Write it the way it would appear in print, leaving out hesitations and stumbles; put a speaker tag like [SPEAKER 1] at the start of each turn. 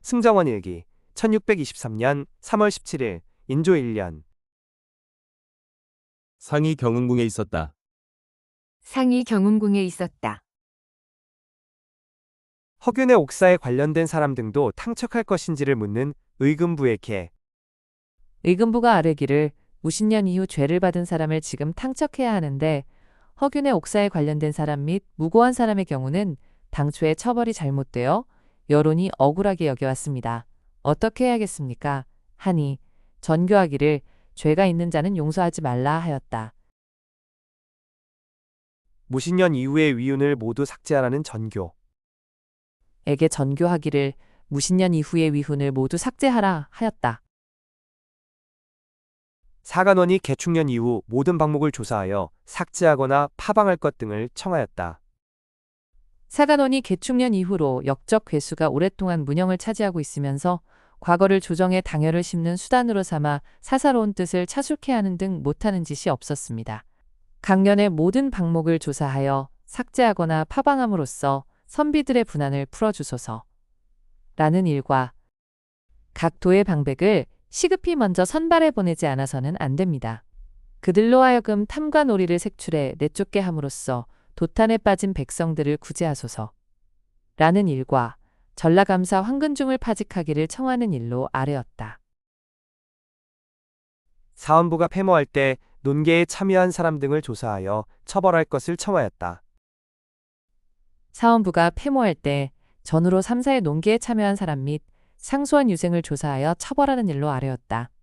[SPEAKER 1] 승정원 일기 1623년 3월 17일 인조 1년
[SPEAKER 2] 상이 경운궁에 있었다.
[SPEAKER 3] 상이 경운궁에 있었다.
[SPEAKER 1] 허균의 옥사에 관련된 사람 등도 탕척할 것인지를 묻는 의금부의 개.
[SPEAKER 4] 의금부가 아뢰기를 무신년 이후 죄를 받은 사람을 지금 탕척해야 하는데 허균의 옥사에 관련된 사람 및 무고한 사람의 경우는 당초에 처벌이 잘못되어 여론이 억울하게 여겨왔습니다. 어떻게 해야겠습니까? 하니 전교하기를 죄가 있는 자는 용서하지 말라 하였다.
[SPEAKER 1] 무신년 이후의 위훈을 모두 삭제하라는 전교.
[SPEAKER 4] 에게 전교하기를 무신년 이후의 위훈을 모두 삭제하라 하였다.
[SPEAKER 1] 사간원이 개축년 이후 모든 방목을 조사하여 삭제하거나 파방할 것 등을 청하였다.
[SPEAKER 4] 사간원이 개축년 이후로 역적 괴수가 오랫동안 문영을 차지하고 있으면서 과거를 조정해 당열을 심는 수단으로 삼아 사사로운 뜻을 차술케 하는 등 못하는 짓이 없었습니다. 강년의 모든 방목을 조사하여 삭제하거나 파방함으로써 선비들의 분한을 풀어주소서. 라는 일과 각 도의 방백을 시급히 먼저 선발해 보내지 않아서는 안 됩니다. 그들로 하여금 탐과 놀이를 색출해 내쫓게 함으로써 도탄에 빠진 백성들을 구제하소서. 라는 일과 전라감사 황근중을 파직하기를 청하는 일로 아뢰었다.
[SPEAKER 1] 사원부가 패모할 때 논계에 참여한 사람 등을 조사하여 처벌할 것을 청하였다.
[SPEAKER 4] 사원부가 패모할 때 전후로 3사의 논계에 참여한 사람 및 상소한 유생을 조사하여 처벌하는 일로 아뢰었다.